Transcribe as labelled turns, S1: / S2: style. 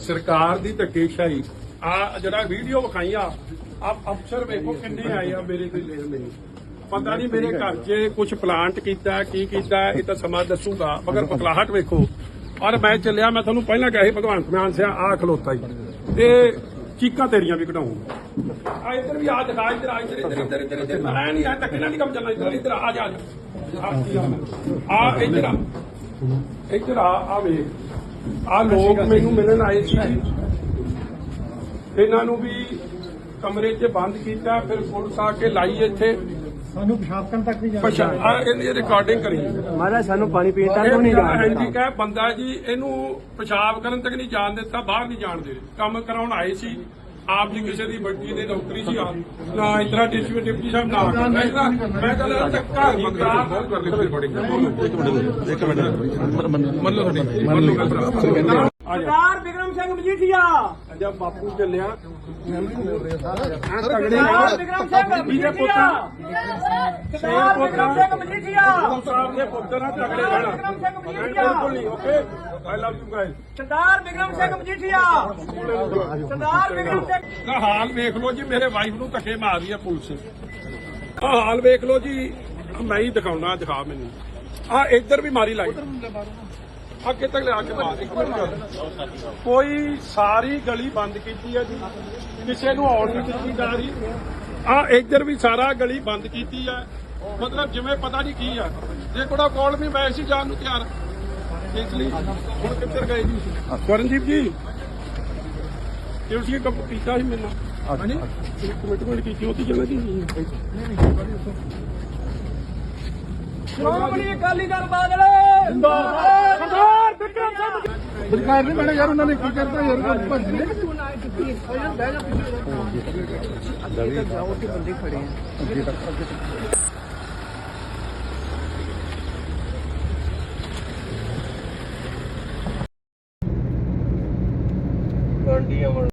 S1: ਸਰਕਾਰ ਦੀ ਧੱਕੇਸ਼ਾਹੀ ਆ ਜਿਹੜਾ ਵੀਡੀਓ ਵਿਖਾਈ ਆ ਅਫਸਰ ਵੇਖੋ ਕਿੰਨੇ ਆਏ ਆ ਮੇਰੇ ਕੋਈ ਲੈਣ ਨਹੀਂ ਪਤਾ ਨਹੀਂ ਮੇਰੇ ਘਰ 'ਚ ਕੁਝ ਪਲਾਂਟ ਕੀਤਾ ਕੀ ਕੀਤਾ ਇਹ ਤਾਂ ਸਮਾਂ ਦੱਸੂਗਾ ਮਗਰ ਪਕਲਾਹਟ ਵੇਖੋ ਔਰ ਮੈਂ ਚੱਲਿਆ ਮੈਂ ਤੁਹਾਨੂੰ ਪਹਿਲਾਂ ਕਿਹਾ ਸੀ ਭਗਵੰਤ ਮਾਨ ਸਿਆ ਆ ਖਲੋਤਾ ਹੀ ਤੇ ਚੀਕਾਂ ਤੇਰੀਆਂ ਵੀ ਕਢਾਉਂਗਾ ਆ ਇੱਧਰ ਵੀ ਆ ਦਿਖਾ ਇੱਧਰ ਆ ਇੱਧਰ ਮੈਂ ਨਹੀਂ ਆ ਧੱਕੇ ਨਾਲ ਨਹੀਂ ਕੰਮ ਚੱਲਣਾ ਇੱਧਰ ਆ ਜਾ ਆ ਇੱਧਰ ਆ ਵੇਖ ਆ ਲੋਕ ਮੈਨੂੰ ਮਿਲਣ ਆਏ ਸੀ ਇਹਨਾਂ ਨੂੰ ਵੀ ਕਮਰੇ 'ਚ ਬੰਦ ਕੀਤਾ ਫਿਰ ਪੁਲਿਸ ਆ ਕੇ ਲਾਈ ਇੱਥੇ
S2: ਸਾਨੂੰ ਪਿਸ਼ਾਬ ਕਰਨ ਤੱਕ ਨਹੀਂ
S1: ਇਹਦੀ ਰਿਕਾਰਡਿੰਗ ਕਰੀ
S2: ਮਹਾਰਾਜ ਸਾਨੂੰ ਪਾਣੀ ਪੀਣ ਤੱਕ ਨਹੀਂ ਜਾਣ
S1: ਜੀ ਕਹੇ ਬੰਦਾ ਜੀ ਇਹਨੂੰ ਪਿਸ਼ਾਬ ਕਰਨ ਤੱਕ ਨਹੀਂ ਜਾਣ ਦਿੱਤਾ ਬਾਹਰ ਨਹੀਂ ਜਾਣ ਦੇ ਕੰਮ ਕਰਾਉਣ ਆਏ ਸੀ ਆਪ ਜੀ ਕਿਸੇ ਦੀ ਵੱਡੀ ਦੇ ਨੌਕਰੀ ਸੀ ਆਪ ਨਾ ਇਤਰਾ ਡਿਪਟੀ ਸਾਹਿਬ ਨਾ ਮੈਂ ਕਹਿੰਦਾ ਧੱਕਾ ਮਕਰਾਰ ਬਹੁਤ ਕਰ ਲਈ ਬੜੀ ਇੱਕ ਮਿੰਟ ਮੰਨੋ
S2: ਸਰਦਾਰ ਬਿਕਰਮ ਸਿੰਘ ਮਜੀਠੀਆ
S1: ਜਦ ਬਾਪੂ ਚੱਲਿਆ
S2: ਸਰਦਾਰ ਬਿਕਰਮ ਸਿੰਘ ਮਜੀਠੀਆ ਸਰਦਾਰ ਬਿਕਰਮ ਸਿੰਘ ਮਜੀਠੀਆ
S1: ਸਾਹਿਬ ਦੇ ਪੁੱਤਰ ਨਾਲ ਤਗੜੇ ਰਹਿਣਾ ਬਿਲਕੁਲ ਨਹੀਂ okay I love you guys
S2: Sardar Bikram Singh Majithia Sardar Bikram Singh
S1: ਦਾ ਹਾਲ ਵੇਖ ਲਓ ਜੀ ਮੇਰੇ ਵਾਈਫ ਨੂੰ ਧੱਕੇ ਮਾਰ ਰਹੀ ਹੈ ਪੁਲਿਸ ਆ ਹਾਲ ਵੇਖ ਲਓ ਜੀ ਮੈਂ ਹੀ ਦਿਖਾਉਣਾ ਦਿਖਾ ਮੈਨੂੰ ਆ ਇੱਧਰ ਵੀ ਮਾਰੀ ਲਾਈ ਅੱਗੇ ਤੱਕ ਲਿਆ ਕੇ ਮਾਰ ਇੱਕ ਮਿੰਟ ਕੋਈ ਸਾਰੀ ਗਲੀ ਬੰਦ ਕੀਤੀ ਹੈ ਜੀ ਕਿਸੇ ਨੂੰ ਆਉਣ ਨਹੀਂ ਦਿੱਤੀ ਜਾ ਰਹੀ ਆ ਇੱਧਰ ਵੀ ਸਾਰਾ ਗਲੀ ਬੰਦ ਕੀਤੀ ਹੈ ਮਤਲਬ ਜਿਵੇਂ ਪਤਾ ਨਹੀਂ ਕੀ ਆ ਜੇ ਕੋੜਾ ਕੋਲ ਵੀ ਮੈਂ ਸੀ ਜਾਣ ਨੂੰ ਤਿਆਰ ਇਸ ਲਈ ਹੁਣ ਕਿੱਧਰ ਗਏ ਜੀ ਕਰਨਜੀਤ ਜੀ ਤੁਸੀਂ ਕੰਮ ਕੀਤਾ ਸੀ ਮੈਨੂੰ ਹਾਂਜੀ ਕਮਿਟਮੈਂਟ ਕੀਤੀ ਉਹਦੀ ਜਗ੍ਹਾ ਜੀ
S2: ਸ਼੍ਰੋਮਣੀ ਅਕਾਲੀ ਦਲ ਬਾਦਲ ਜਿੰਦਾਬਾਦ ਸਰਦਾਰ ਬਿਕਰਮ ਸਿੰਘ
S1: ਸਰਕਾਰ ਨਹੀਂ ਮੈਨੇ ਯਾਰ ਉਹਨਾਂ ਨੇ ਕੀ ਕਰਤਾ ਯਾਰ
S2: ਬੰਦੇ ਖੜੇ ਆ